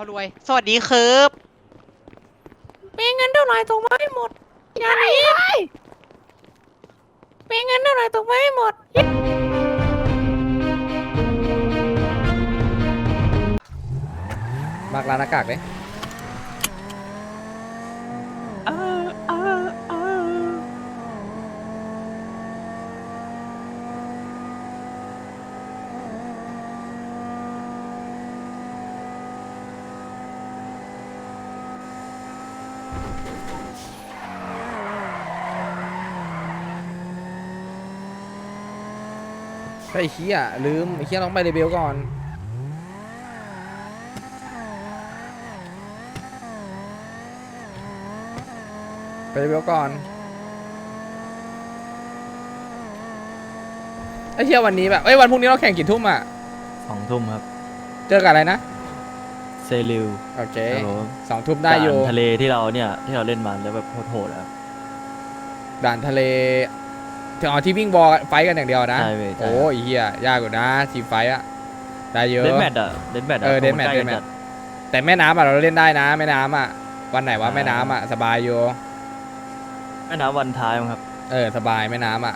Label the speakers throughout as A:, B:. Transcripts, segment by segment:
A: เขารวยสวัสดีครับ
B: มีเงินเท่าไหร่ส่งมาให้หมดอย่าหนีมีเงินเท่าไหร่ส่งมาให้หมด
C: มากร้านหน้ากากเลยไอ้เหี้ยลืมไอ้เหี้ยต้องไปเรเบลก่อนไปเรเบลก่อนไอ้เหี้ยวันนี้แบบวันพรุ่งนี้เราแข่งกี่ทุ่มอ่ะ
D: 2 ทุ่มครับ
C: เจอกับอะไรนะ
D: เซริว
C: โอเค
D: ครับผม
C: 2 ทุ่มได้อยู่
D: ด่านทะเลที่เราเล่นมาแล้วแบบโหดๆครับ
C: ด่านทะเลถึงเอาที่วิ่งบอลไฟกันอย่างเดียวนะ
D: ใช่เว้ยใช่
C: โอ้ยเหี้ยยากกว่านะทีมไฟอะได้เยอะ
D: เดนแมทอะ
C: เดนแมทแต่แม่น้ำอะเราเล่นได้นะแม่น้ำอะวันไหนวะแม่น้ำอะสบายอยู่
D: แม่น้ำวันท้ายมั้งครับ
C: สบายแม่น้ำอะ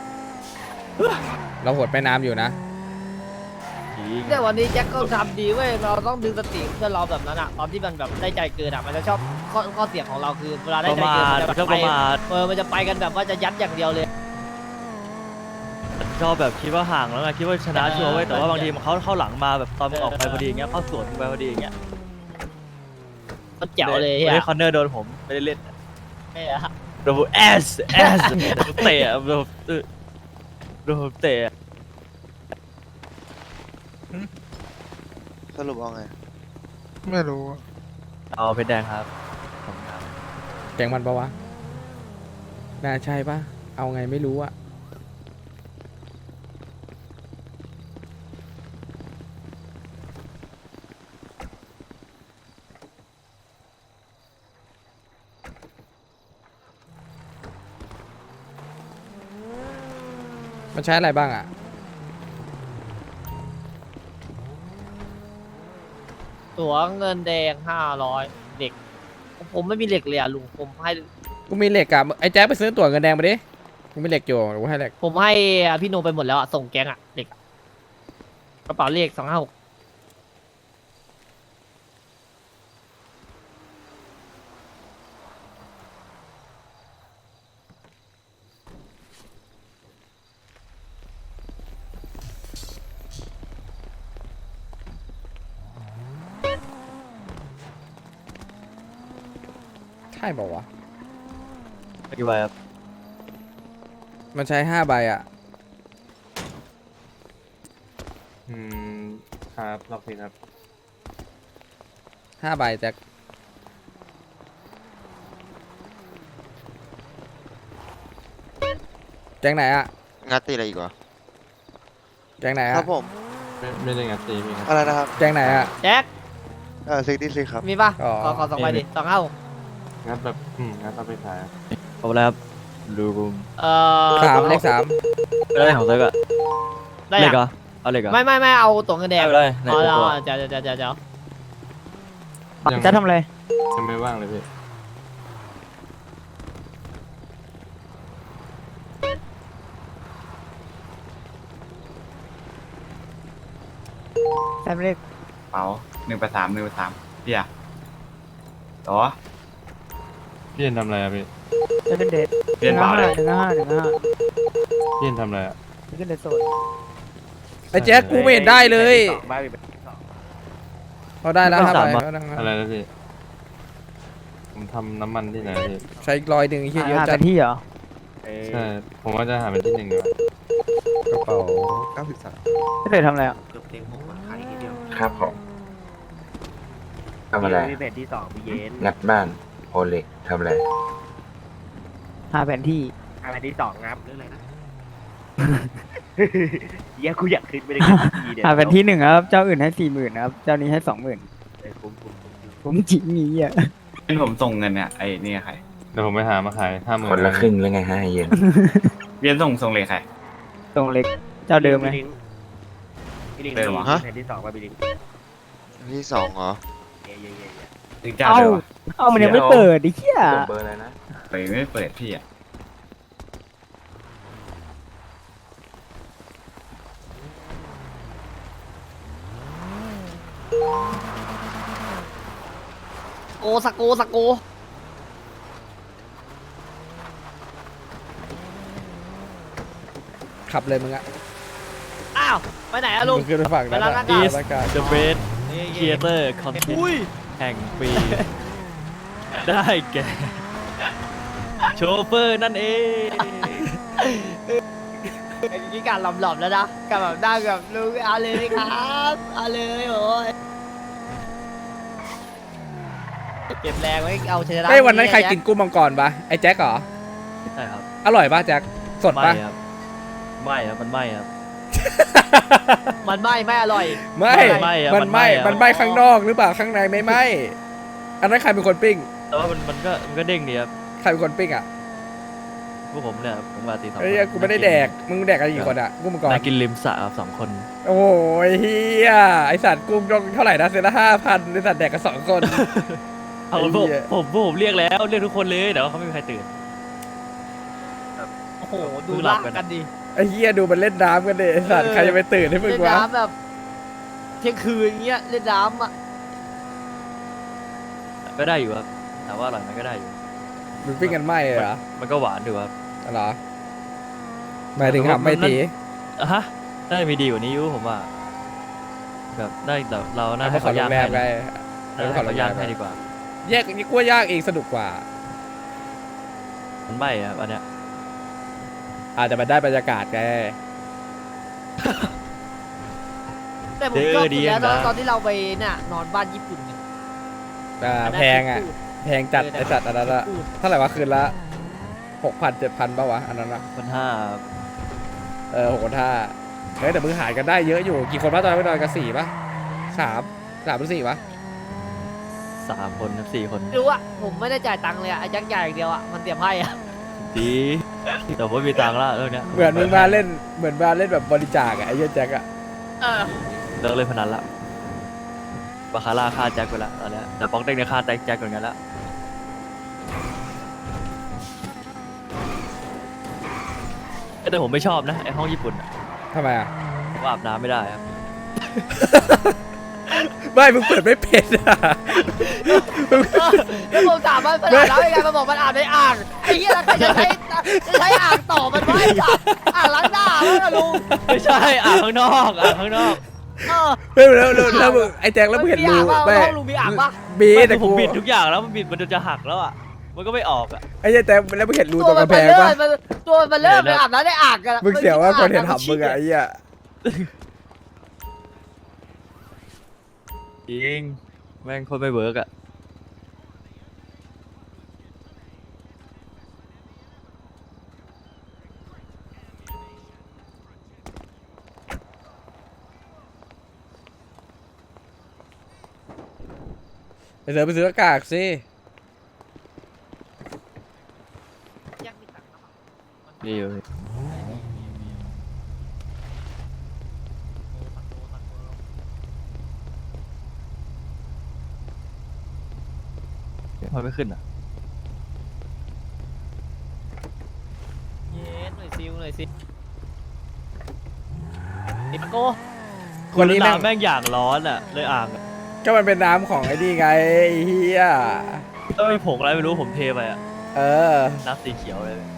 C: เราหดแม่น้ำอยู่นะ
B: แต่วันนี้แจ็คก็ทำดีเว้ยเราต้องดึงสติเพื่อนเราแบบนั้นอะตอนที่มันแบบได้ใจเกินอะมันจะชอบข้อเสียของเราคือเวลาได้ใจเกินมันจะ
D: ก็
B: ไป
D: ประมาท
B: มันจะไปกันแบบว่าจะยัดอย่างเดียวเลย
D: ชอบแบบคิดว่าห่างแล้วไงคิดว่าชนะชัวร์ไว้ยแต่ว่าบางทีมันเข้าหลังมาแบบตอนมันออกไปพอดีอย่างเงี้ยเข้าสวนไปพอดีอย่างเงี้ย
B: มันแจ๋วเลย
D: วัน
B: เฮี
D: นี้
B: ย
D: คอนเนอร์โดนผมไม่ได้เล่น
B: เฮีย
D: โดนผมแอสเตะโดนผมเตะ
E: สรุปเอาไง
F: ไม่รู้
D: เอาเพชรแดงครับขอบคุณครับ
C: แกงมันปะวะน่าใช่ปะเอาไงไม่รู้อะมันใช้อะไรบ้างอะ
B: ตั๋วเงินแดง500เหล็กผมไม่มีเหล็กเลยอะลุงผมให้
C: กูมีเหล็กอะไอ้แจ๊คไปซื้อตั๋วเงินแดงมาดิกูมีเหล็กอยู่กูให้เหล็ก
B: ผมให้พี่โนไปหมดแล้วอะส่งแก๊งอะเหล็กอะกระเป๋าเลข256
C: ใช่บอกวะ
D: กี่ใบครับ
C: มันใช้5 ใบอะ
F: ครับรอบนี้ครับ
C: 5 ใบแจ็คแจ็คไหนอะ
E: งัดตีอะไรอีกวะ
C: แจ็คไหน
E: ค
C: อะ
E: รับผม
F: ไม่ได้งัดตีมีครับ
E: อะไรนะครับ
C: แจ็คไหนอะ
B: แจ็ค
E: ซิกดี้ซิกครับ
B: มีป่ะ
C: อ๋อ
B: ขอ2ใบดิ256
F: งัดแบบงัดเอาไปขาย
D: ขอบคุณครับลูม
C: เลข 3
D: ได้ของเซิร์กอะ
B: ได้
D: เหล็
B: ยั
D: ก
B: ง
D: เหรอเอาเหล็กเหรอ
B: ไม่เอาตั๋วเงินแดง
D: ได้ไปเลยใน
B: อ๋อ
D: ตัว
B: เดี๋ยว
F: จะทำอะไรยังไม่ว่างเลยพี่
B: แซมเลข
G: เป๋า183พี่อะต่อ
F: พี่เอ็นทำอะไรอะพี่
B: จะเป็นเดท
G: เปลี่ยนเป๋าเลย
F: พี่เอ็นทำอะไรอะ
B: ขึ้นเดทโซน
C: ไอ้แจ็คกูไม่เห็นได้เลยเขาได้แล้ว5 ใบเขาได้
F: อะไรนะพี่ผมทำน้ำมันที่ไหนพี่
C: ใช้อีก100ไอ้เหี้ยเยอะจัด
B: ที่เหรอ
F: ใช่ผมว่าจะหาเป็นที่1ดีกว่าก
C: ระเป๋า
B: ไม่เคยทำอะไรอ่ะ
H: ครับผมทำอะไร
B: มีแผนที่2มีเย็น
H: งัดบ้านโอเล็กทำอะไร
B: หาแผนที่แผนที่2งับเรื่องอะไรนะเหี้ยกูอยากขึ้นไปได้ทีเดียวหาแผนที่1ครับเจ้าอื่นให้40,000ครับเจ้านี้ให้20,000ผมจริงนี้อ่ะ
G: เป็นผมส่งเงินเนี่ยไอ้นี่ใคร
F: เดี๋ยวผมไปหามาขาย50,000
H: คนละครึ่งหรือไงฮะไอ้เย็น
G: เรียนส่งเลยใคร
B: ตรงเล็กเจ้าเดิมไหม
G: เดิมเหรอ
E: ฮะที่สองเหรอ
G: ถึงเจ้าเลยวะ
A: เอามันยังไม่เปิดดิเหี้ย
H: กดเบอร์อะไรนะ
G: เปิดไม่เปิดพี่อ่ะ
B: โกสโกสโก
C: ขับเลยมึงอะ
B: อ้าวไปไหนอะลุง
C: มึงขึ้นไปฝั่งนั้น
B: ไปร้าน
C: อะ
B: อากาศ
C: อากาศ
D: The Best Creator Content แห่งปี ได้แก่โชเฟอร์นั่นเอง
B: นี่การหลอมๆแล้วนะกับแบบนั่งกับลุงเอาเลยครับเอาเลยโอ้ยเก็บแรงไว้เอาชนะ
C: เฮ้ยวันนั้นใครกินกุ้งมังกรปะไอ้แจ็คเหรอ
D: ใช่ครับ
C: อร่อยปะแจ็คสด
D: ไม่
C: ปะ
D: ครับไม่ครับมันไม่ครับ
B: มันไม่อร่อย
C: ไม่
D: ไม่อะ
C: มันไม่
D: มันไม่อะ
C: ข้างนอกหรือเปล่าข้างในไม่ไหมอันนั้นใครเป็นคนปิ้ง
D: แต่ว่ามันก็เด้งดีครับ
C: ใครเป็นคนปิ้งอ่ะ
D: พวกผมเนี่ยผมมาตีสอง
C: เฮ้ยกูไม่ได้แดกมึงแดกกันกี่คนอ่ะกุ้งมังกร
D: นั่งกินริมสระครับ2 คน
C: โอ้ยเฮียไอสัตว์กุ้งต้องเท่าไหร่นะเซนละ5,000ไอสัตว์แดกกัน2 คน
D: เอา
C: ไอ้
D: ผม
C: เหี้ย
D: ผมเรียกแล้วเรียกทุกคนเลยแต่ว่าเขาไม่มีใครตื่น
B: โอ้โหดู
D: ดูหลั
B: ลา
D: บ
B: ก
D: กัน
B: กันดิ
C: ไอเฮียดูมันเล่นน้ำกันดิไอสัตว์ใครจะไปตื่นให้มึง
B: เล่น
C: วะ
B: น้ำแบบเที่ยงคืนอย่างเงี้ยเล่นน้ำอ่ะ
D: ก็ได้อยู่ครับแต่ว่าอร่อยมันก็ได้อยู่
C: มึงปิ้งกันไหมเหรอ
D: มันก็หวานอยู่ครับ
C: เหรอหมายถึงทำไม่ตี
D: อ่ะฮะได้มีดีกว่านี้อยู่ผมว่าแบบได้แต่เราน่า
C: เอา
D: ให้
C: มาขอ
D: เขา
C: โร
D: ย่าง
C: งแร
D: ให้
C: มไป
D: นะ
C: เอามาขอ
D: ให้
C: โร
D: เขา
C: งแร
D: ย่าง
C: มไป
D: ให้ดีกว่า
C: แยกนี่กลัวยากเองสนุกกว่า
D: มันไม่ครับอันเนี้ย
C: อาจจะมันได้บรรยากาศไง
B: แต่ผมชอบสุดแล้วตอนที่เราไปน่ะนอนบ้านญี่ปุ่นเนี่ย
C: แพงอ่ะแพงจัดไอสัตว์อันนั้นอะเท่าไหร่วะคืนละ6,000 7,000ป่าวะอันนั้นอะ
D: 1,500
C: 6,500เฮ้ยแต่มึงหารกันได้เยอะอยู่กี่คนวะตอนนั้นไปนอนกัน4ป่ะ3หรือ4วะ
D: 3 คนครับ4 คน
B: รู้อ่ะผมไม่ได้จ่ายตังค์เลยอ่ะไอ้ยักษ์ใหญ่อย่างเดียวอ่ะมันเตรียมให้อ่ะ
D: ดีแต่ผมมีตังค์ละเรื่องเนี้ย
C: เหมือนมึงมาเล่นแบบบริจาคอะไอ้เหี้ยแจ็คอะ
B: เออ
D: เลิกเล่นพนันละบาคาร่าฆ่าแจ็คไปละตอนเนี้ยแต่ป๊อกเด้งเนี่ยฆ่าแจ็คเหมือนกันละแต่ผมไม่ชอบนะไอห้องญี่ปุ่นอะ
C: ทำไมอะ
D: ผมอาบน้ำไม่ได้ครับ
C: ไม่มึงเปิดไม่เป็นอะมึง
B: แล้วผมถามว่ามันอาบน้ำยังไงมันบอกมันอาบในอ่างไอ้เหี้ยแล้วใครจะใช้อ่างต่อมันไว้สัตว์อ่างล้างหน้าวะลุง
D: ไม่ใช่อาบข้างนอกอาบข้างนอก
B: เออ
C: แล้วมึงไอ้แจ็คแล้วมึงเห็นรู
B: ไม่
C: ไม่
B: ห้องลุงมีอ่างปะ
C: บี
D: ไม่
C: แต่
D: ผ
C: กู
D: มบิดทุกอย่างแล้วมันบิดมันจะหักแล้วอ่ะมันก็ไม่ออกอ่ะ
C: ไอ้เหี้ยแจ็คแล้วมึงเห็นรูตรงกระแพงปะ
B: ตัวมันเริ่มไปอาบน้ำในอ่างกัน
C: มึงเสียวว่าคนเห็นหำมึงอะไอ้เหี้ย
D: จริงแม่งโคนไม่เวิร์กอ่ะ
C: ไอ้เสือไปซื้อหน้ากากสิ
D: ดีอยู่มันไม่ขึ้นอ่ะ
B: เย็นหน่อยซิวหน่อยซิไอ้ปะโก
C: คนนี้แม่ง
D: น้ำแม่งอย่างร้อนอ่ะเลยอ่างอะ
C: ก็มันเป็นน้ำของไอ้นี่ไงไอ้เหี้ย
D: ก็มีผงอะไรไม่รู้ผมเทไปอ่ะ
C: เออ
D: น้ำสีเขียวเลย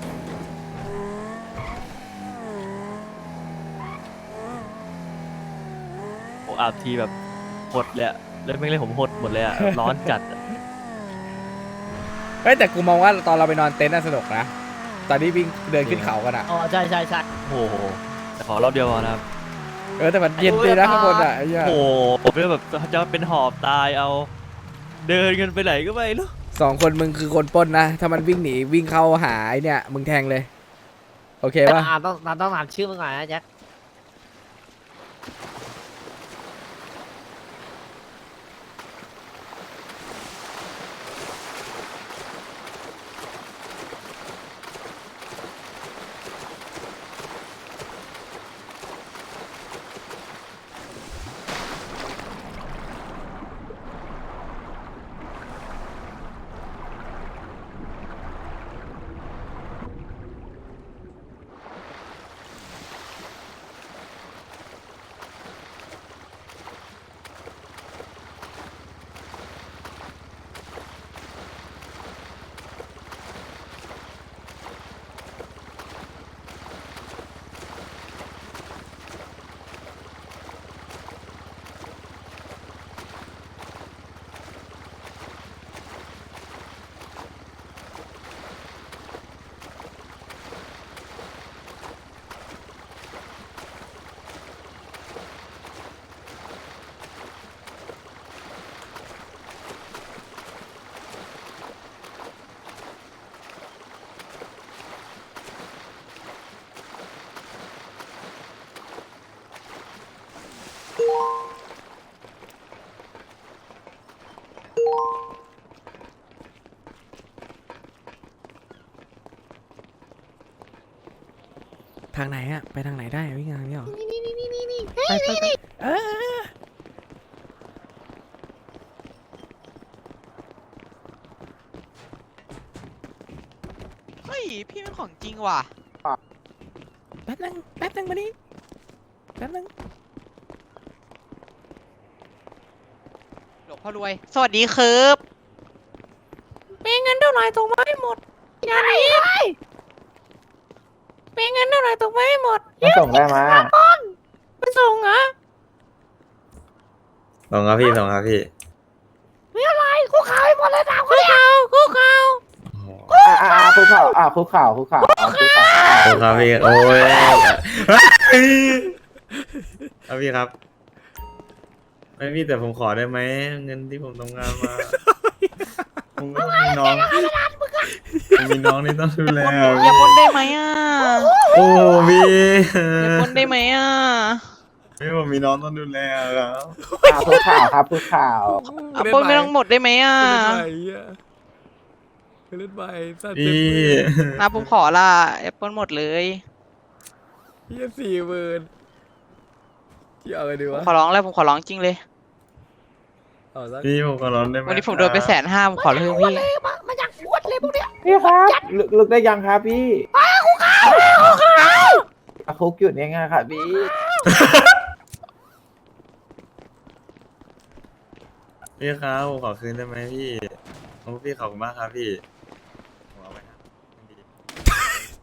D: ผมอาบทีแบบหดเลยอะแล้วแม่งเลยผมหดหมดเลยอ่ะ ร้อนจัดอะ
C: เฮ้ยแต่กูมองว่าตอนเราไปนอนเต็นท์น่ะสนุกนะตอนที่วิ่งเดินขึ้นเขากันอะ
B: อ๋อใช่ใช่ใช่
D: โอ้โหแต่ขอรอบเดียวพอนะครับ
C: แต่มันเย็นดีนะข้างบนอะไอ้เหี้ย
D: โอ้โหผมเนี่ยแบบจะเป็นหอบตายเอา เดินกันไปไหนก็ไม่รู้
C: 2 คนมึงคือคนปล้นนะถ้ามันวิ่งหนีวิ่งเข้าหาไอ้เนี่ยมึงแทงเลยโอเคปะ
B: ต้องถามชื่อมึงหน่อยนะแจ็ค
C: ทางไหนอะไปทางไหนได้วิ่งทางนี้หรอไปเออ
I: เฮ้ย พี่เป็นของจริงว่ะ
C: แป๊บนึงมาดิแป๊บนึง
I: หลวงพ่อรวย สวัสดีครับมีเงินเท่าไหร่ส่งมาให้หมดอย่าหนีมีเงินเท่าไหร่ส่งมาให้หมด
H: มาส่งได้มา
I: ไปส่งเหรอ
H: ส่งครับพี่ส่งครับพี่
I: คุกเข่าให้หมดเลยนะคุกเข่า
H: คุกเข่าคุกเข่าคุกเข่าคุกเข่าครับพี่โอ้ยครับพี่ครับไม่มีแต่ผมขอได้ไหมเงินที่ผมทำงานมาผมไม่มีน้องผมมีน้องที่ต้องดูแล
I: อย่าปนได้ไหมอ่ะ
H: โอ้พี่
I: อย่าปนได้ไหมอ่ะ
H: พี่ผมมีน้องต้องดูแลครับ
A: คุกข่าวครับคุกข่าว
I: เอาปนไม่ต้องหมดได้ไหมอ่ะ
C: เล่นไปสัตว์
H: พี่
I: มาผมขอละอย่าปนหมดเลย
C: เฮีย40,000ที่เอาไงดี
I: ผม
C: วะ
I: ขอร้องแล้วผมขอร้องจริงเลย
C: เอาสัก
H: พี่ผมขอร้องได้ไหม
I: วันนี้ผมโดนไป150,000ผมขอเลยพี่
A: พี่ครับลึกได้ยังครับพี่คุกหยุดยังไงครับพี่
H: พี่ครับผมขอคืนได้ไหมพี่โอ้พี่ขอบคุณมากครับพี่ผมเอาไปครับดี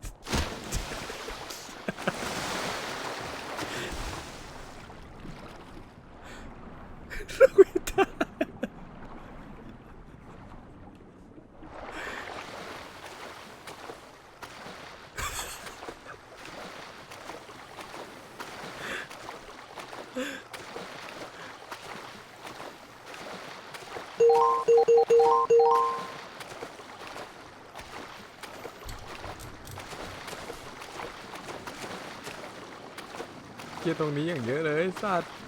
C: เฮียตรงนี้อย่างเยอะเลยสัตว์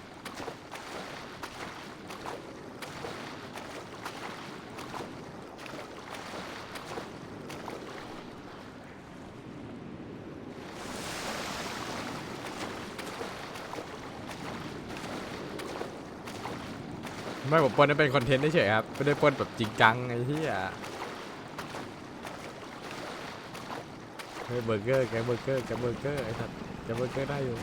C: ไม่ผมปล้นเป็นคอนเทนต์เฉยๆครับไม่ได้ปล้นแบบจริงจังไอ้เหี้ยเฮ้ยเบอร์เกอร์แกเบอร์เกอร์ไอ้สัตว์แกเบอร์เกอร์ได้อยู่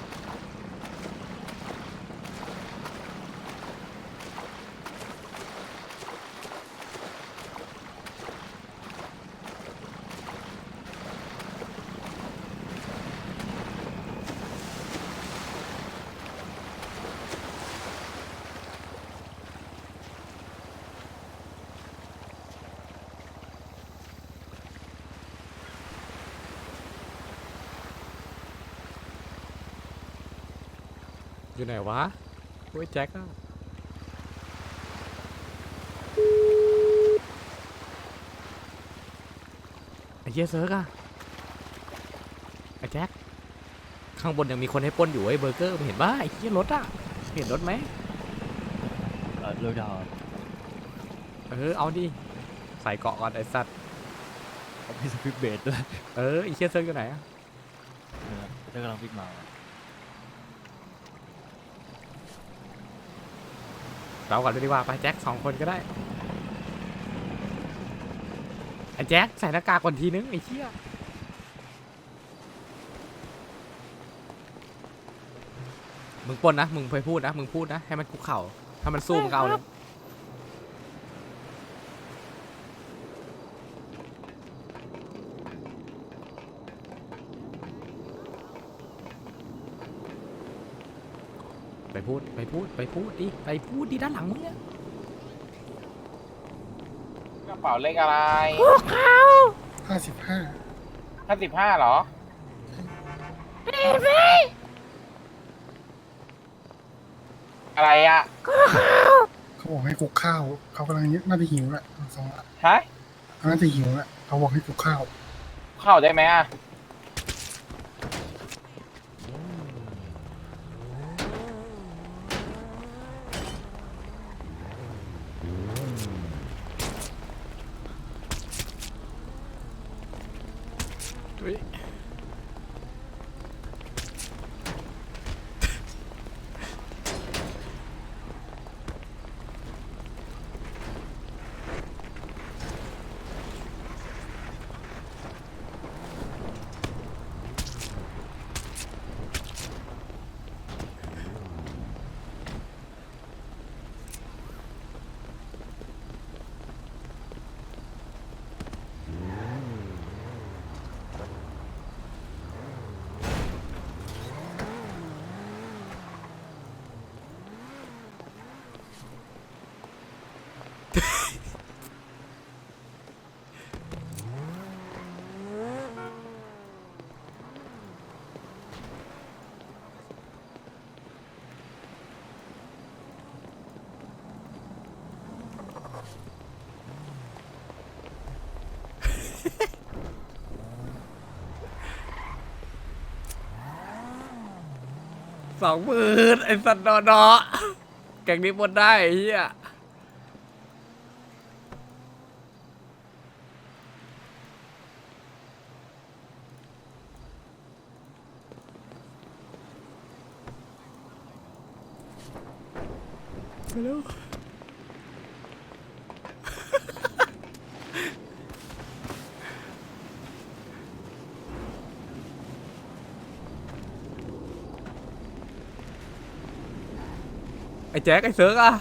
C: อยู่ไหนวะโอ้ยแจ็คอะไอ้เหี้ยเซิร์กอะไอ้แจ็คข้างบนยังมีคนให้ปล้นอยู่ไอ้เบอร์เกอร์มึงเห็นป่ะไอ้เหี้ยรถอะเห็นรถไหม
D: เร็วดาว
C: เอาดิใส่เกาะก่อนไอ้สัตว์
D: เอาพี่สปิปเบสด้วย
C: ไอ้เหี้ยเซิร์กอยู่ไหนอะ
D: เธอกำลังพิกมา
C: เราก่อนเลยดีกว่าไปแจ็ค2 คนก็ได้ไอ้แจ็คใส่หน้ากากก่อนทีนึงไอ้เหี้ยมึงปล้นนะมึงไปพูดนะมึงพูดนะให้มันคุกเข่าถ้ามันสู้มึงก็เอาเลยไปพูดดิด้านหลังมึงเนี่ย
A: กระเป๋าเลขอะไร55เหรออะไรอ่ะ
J: เขาบอกให้คุกข้าว เขากำลังน่าจะหิวแหละสองละ
A: ฮะ
J: เขาน่าจะหิวแหละเขาบอกให้คุกข้าว
A: เข้าได้ไหมอ่ะ
C: เฮ้ย 20,000ไอ้สัตว์ดอแกงนี้หมดได้ไอ้เหี้ยไปแล้วไอ้แจ็คไอ้เซิร์กอะ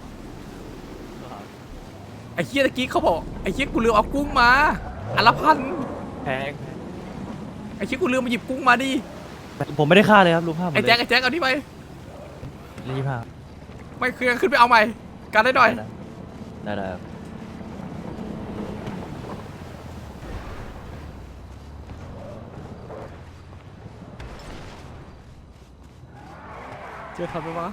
C: ไอ้เหี้ยตะกี้เขาบอกไอ้เหี้ยกูลืมเอากุ้งมาอันละพัน
D: แพง
C: ไอ้เหี้ยกูลืมมาหยิบกุ้งมาดิ
D: ผมไม่ได้ฆ่าเลยครับลุงฆ่าผม
C: ไอ้
D: เลย
C: แจ็คไอ้แจ็คเอานี่ไป
D: รีบฆ่า
C: ไม่เคลียร์ขึ้นไปเอาใหม่การได้หน่อย
D: ได้ครับ
C: เจอทันไหมวะ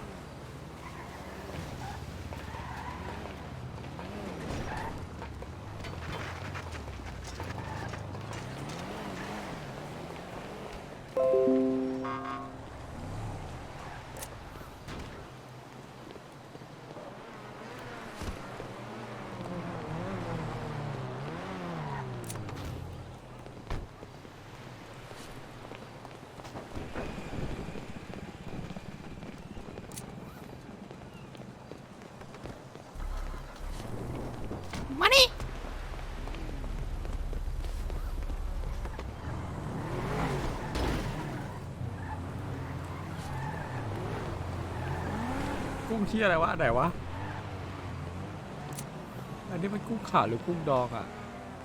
C: มานี่กุ้งเชี่ยอะไรวะอันไหนวะอันนี้มันกุ้งขาวหรือกุ้งดองอ่ะ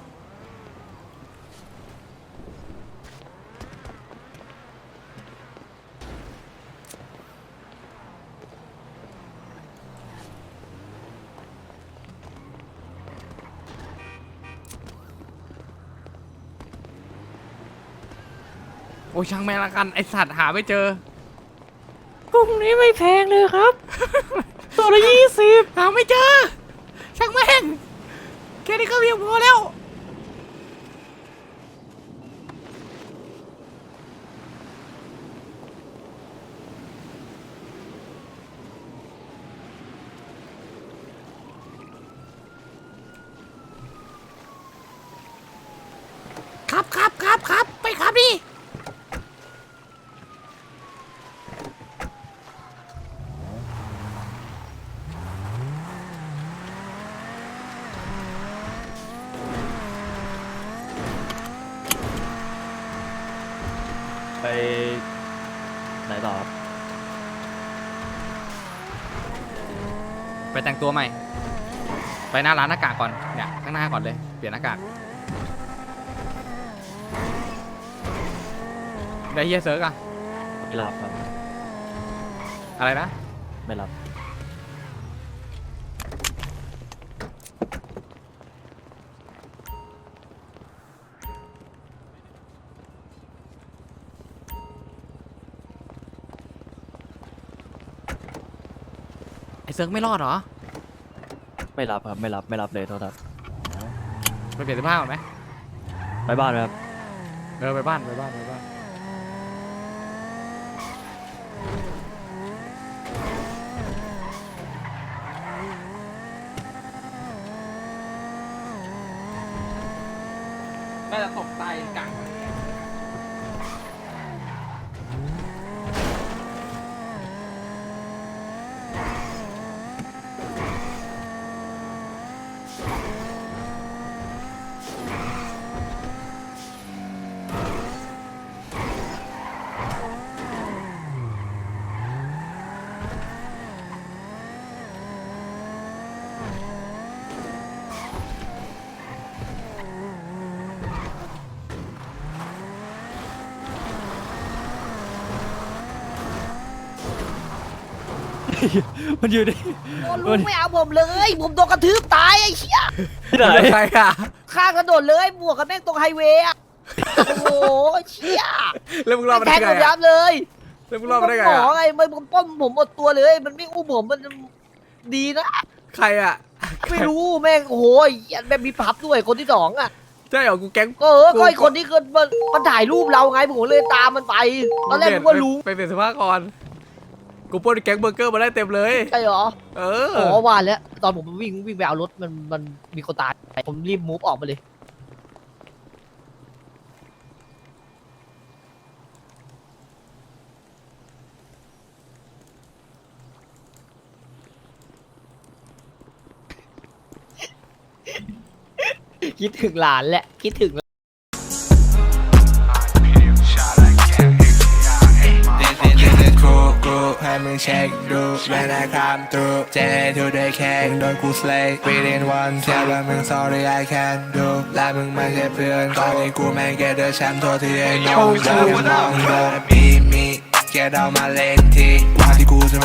C: โอ้ยช่างแม่งละกันไอสัตว์หาไม่เจอกุ้งนี้ไม่แพงเลยครับ ตัวละ20หาไม่เจอช่างแม่งแค่นี้ก็เพียงพอแล้วครับไปครับดิ
D: ไปไหนต่อครับ
C: ไปแต่งตัวใหม่ไปหน้าร้านหน้ากากก่อนเนี่ยข้างหน้าก่อนเลยเปลี่ยนหน้ากากได้เฮียเซิร์กอะ
D: ไม่รับครับ
C: อะไรนะ
D: ไม่รับ
C: ไอเซิร์กไม่รอดเหรอ
D: ไม่รับครับไม่รับเลยโทษครับ
C: ไปเปลี่ยนเสื้อผ้าก่อนไหม
D: ไปบ้านไหมครับ
C: ไปบ้านน่าจะตกตายกลาง
D: มันอยู่ดิ
B: โอ้ลุงไม่เอาผมเลย ผมโดนกระทืบตายไอ้เชี่ย
D: ที่ไหน
C: ใครอ่ะ
B: ข้างถนนเลยบวกกับแม่งตรงไฮเวย์อะโอ้โหเชี่ย
C: แล้วมึงรอดมา
B: แท
C: ได้
B: ง
C: ไง
B: ผมยั
C: อะ
B: บเลย
C: แล้วมึงรอดมาได้ไง
B: หมอ
C: อะ
B: ไงมันป้อมผมหมดตัวเลย มันไม่อุ้มผมมันดีนะ
C: ใครอ่ะ
B: ไม่รู้แม่งโอ้โหแม่งมีพับด้วยคนที่สองอ่ะ
C: ใช่เหรอกูแก๊ง
B: ก็ก็ไอคนที่เกิดมันถ่ายรูปเราไงผมเลยตามมันไป ตอนแรกผมก็รู้
C: ไปเปลี่ยนเสภาพก่อนกูปล้นแก๊งเบอร์เกอร์มาได้เต็มเลย
B: ใช่เหรอ
C: เออ
B: อ๋อว่าแล้วตอนผมวิ่งไปเอารถมันมีคนตายผมรีบมูฟออกมาเลย คิดถึงหลานแหละ คิดถึง
K: ให้มึงเช็คดูแม่นะครับตูเจทูได้แค่โดนกูสเลย์ within one เทียบว่ามึง sorry I can't do และมึงไม่ใช่เพื่อนตอนนี้กูแม่งแกเดอแชมป์โทษที่ไอ้น้องเดินมองโดนมีแกเดามาเล่นทีว่าที่กูจะ